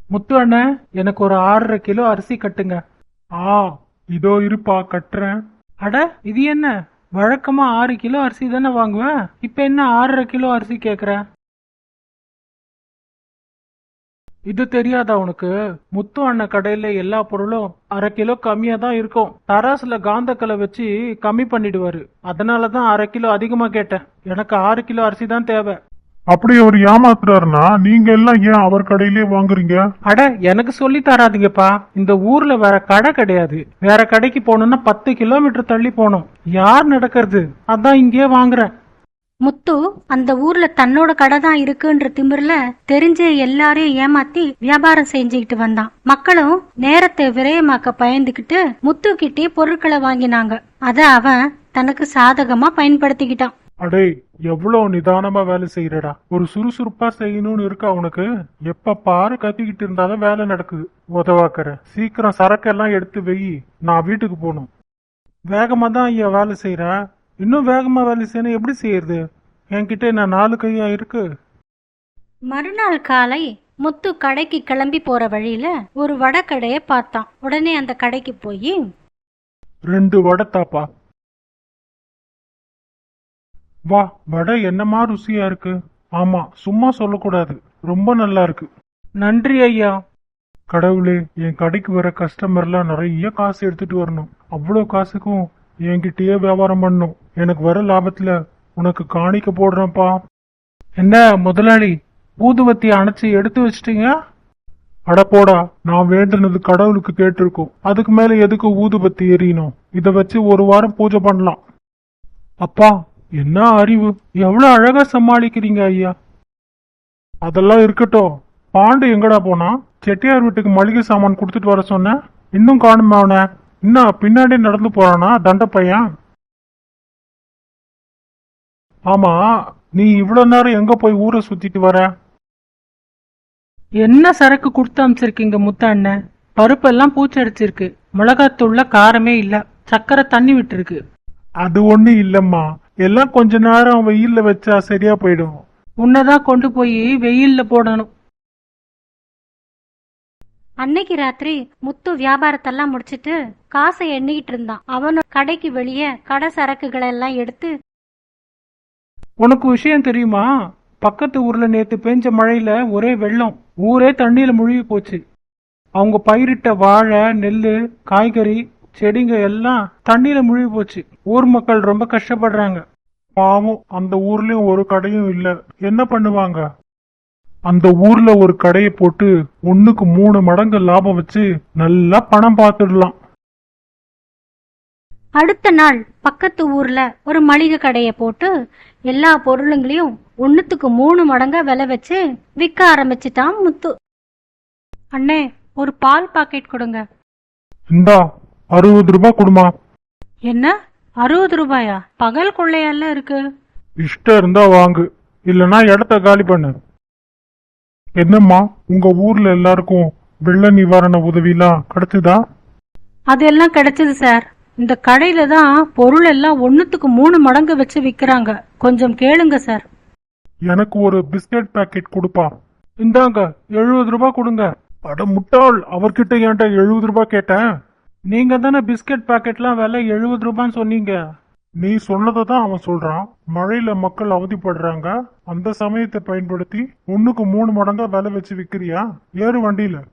முத்து அண்ணன், எனக்கு ஒரு 6.5 கிலோ அரிசி கட்டுங்க. ஆ, இதோ இருப்பா கட்டுறேன். அட, இது என்ன? வழக்கமா 6 கிலோ அரிசி தானே வாங்குவேன், இப்ப என்ன 6.5 கிலோ அரிசி கேக்குற? இது தெரியாதா உனக்கு? முத்து அண்ணன் கடையில எல்லா பொருளும் 1/2 கிலோ கம்மியா தான் இருக்கும். தராசுல காந்தக்கலை வச்சு கம்மி பண்ணிடுவாரு. அதனாலதான் 1/2 கிலோ அதிகமா கேட்டேன். எனக்கு 6 கிலோ அரிசி தான் தேவை. அப்படி அவர் ஏமாத்துறாருன்னா நீங்க எல்லாம் ஏன் அவர் கடையிலே வாங்குறீங்க? அட, எனக்கு சொல்லி தராதீங்கப்பா. இந்த ஊர்ல வேற கடை கிடையாது. வேற கடைக்கு போகணும்னா 10 கிலோமீட்டர் தள்ளி போகணும். யார் நடக்கிறது? அதான் இங்கே வாங்குறேன். முத்து அந்த ஊர்ல தன்னோட கடை தான் இருக்குன்ற திமிர்ல தெரிஞ்ச எல்லாரையும் ஏமாத்தி வியாபாரம் செஞ்சுக்கிட்டு வந்தான். மக்களும் நேரத்தை விரயமாக்க பயந்துகிட்டு முத்து கிட்டே பொருட்களை வாங்கினாங்க. அத அவன் தனக்கு சாதகமா பயன்படுத்திக்கிட்டான். அடே, எவ்வளவு நிதானமா வேலை செய்யறடா. ஒரு சுறுசுறுப்பா செய்யணும்னு இருக்கா உனக்கு? எப்ப பாரு கத்திக்கிட்டு இருந்தாலும் வேலை நடக்குது. உதவாக்கற சீக்கிரம் சரக்கெல்லாம் எடுத்து வெயி, நான் வீட்டுக்கு போகணும். வேகமா தான் ஐயா வேலை செய்யறேன். இன்னும் வேகமா வேலை செய்யணும், எப்படி செய்யறது? என்கிட்ட என்ன 4 கையா இருக்கு? மறுநாள் காலை முத்து கடைக்கு கிளம்பி போற வழியில ஒரு வடை கடையை பார்த்தான். உடனே அந்த கடைக்கு போய் 2 வடை தாப்பா. வா, வடை என்னமா ருசியா இருக்கு. ஆமா, சும்மா சொல்லக்கூடாது, ரொம்ப நல்லா இருக்கு. நன்றி ஐயா. கடவுளே, என் கடைக்கு வர கஸ்டமர்லாம் நிறைய காசு எடுத்துட்டு வரணும். அவ்வளோ காசுக்கும் என்கிட்டயே வியாபாரம் பண்ணணும். எனக்கு வர லாபத்துல உனக்கு காணிக்க போடுறேன்ப்பா. என்ன முதலாளி, ஊதுவத்தி அணைச்சு எடுத்து வச்சிட்டீங்க? அட போடா, நான் வேண்டுனது கடவுளுக்கு கேட்டிருக்கோம். அதுக்கு மேல எதுக்கு ஊதுபத்தி எரியணும்? இத வச்சு ஒரு வாரம் பூஜை பண்ணலாம். அப்பா, என்ன அறிவு! எவ்வளவு அழகா சமாளிக்கிறீங்க ஐயா. அதெல்லாம் இருக்கட்டும். பாண்டு எங்கடா போனா? செட்டியார் வீட்டுக்கு மளிகை சாமான் கொடுத்துட்டு வர சொன்ன, இன்னும் காணுமே அவன. இன்னும் பின்னாடி நடந்து போறானா தண்ட பையன்? ஆமா, நீ இவ்வளவு நேரம் எங்க போய் ஊரை சுத்திட்டு வர? என்ன சரக்கு கொடுத்து அமைச்சிருக்கீங்க முத்த அண்ணன்? பருப்பெல்லாம் பூச்சடிச்சிருக்கு. மிளகாத்தூள்ல காரமே இல்ல. சக்கரை தண்ணி விட்டுருக்கு. அது ஒண்ணு இல்லம்மா, எல்லாம் கொஞ்ச நேரம் வெயில்ல வச்சா சரியா போயிடும். உன்னதான் கொண்டு போய் வெயில்ல போடணும். அன்னைக்கு ராத்திரி முத்து வியாபாரத்தெல்லாம் முடிச்சிட்டு காசை எண்ணிக்கிட்டு இருந்தான். அவனோட கடைக்கு வெளியே கடை சரக்குகளை எல்லாம் எடுத்து, உனக்கு விஷயம் தெரியுமா? பக்கத்து ஊர்ல நேத்து பெஞ்ச மழையில ஒரே வெள்ளம். ஊரே தண்ணியில முழுகி போச்சு. அவங்க பயிரிட்ட வாழை, நெல்லு, காய்கறி, செடிங்க எல்லாம் தண்ணியில முழுகி போச்சு. ஊர் மக்கள் ரொம்ப கஷ்டப்படுறாங்க. பாவம், அந்த ஊர்லயும் ஒரு கடையும் இல்ல. என்ன பண்ணுவாங்க? அந்த ஊர்ல ஒரு கடையை போட்டு 1க்கு 3 மடங்கு லாபம் வச்சு நல்லா பணம் பார்த்துடலாம். அடுத்த நாள் பக்கத்து ஊர்ல ஒரு மளிகை கடையை போட்டு எல்லா பொருளுங்களையும் 1க்கு 3 மடங்கா விலை வச்சு விற்க ஆரம்பிச்சிட்டான் முத்து. அண்ணே, ஒரு பால் பாக்கெட் கொடுங்க. இந்தா, 60 ரூபாய் கொடுமா. என்ன, 60 ரூபாயா? பகல் கொள்ளையால இருக்கு. இஷ்டம் இருந்தா வாங்கு, இல்லனா இடத்த காலி பண்ணு. என்னம்மா, உங்க ஊர்ல எல்லாருக்கும் வெள்ள நிவாரண உதவிலாம் கிடைச்சதா? அதெல்லாம் கிடைச்சது சார். இந்த கடையில தான் பொருள் எல்லாம் 1க்கு 3 மடங்கு வச்சு விக்கிறாங்க. கொஞ்சம் கேளுங்க சார். எனக்கு ஒரு பிஸ்கட் பாக்கெட் கொடுப்பா. இந்தாங்க, 70 ரூபாய் கொடுங்க. அட முட்டாள், அவர்கிட்ட ஏன்டா 70 ரூபாய் கேட்டேன்? நீங்க தானே பிஸ்கட் பாக்கெட்லாம் விலை 70 ரூபான்னு சொன்னீங்க. நீ சொன்னதை தான் அவன் சொல்றான். மழையில மக்கள் அவதிப்படுறாங்க, அந்த சமயத்தை பயன்படுத்தி 1க்கு 3 மடங்கா விலை வச்சு விக்கிறியா? ஏறு வண்டியில.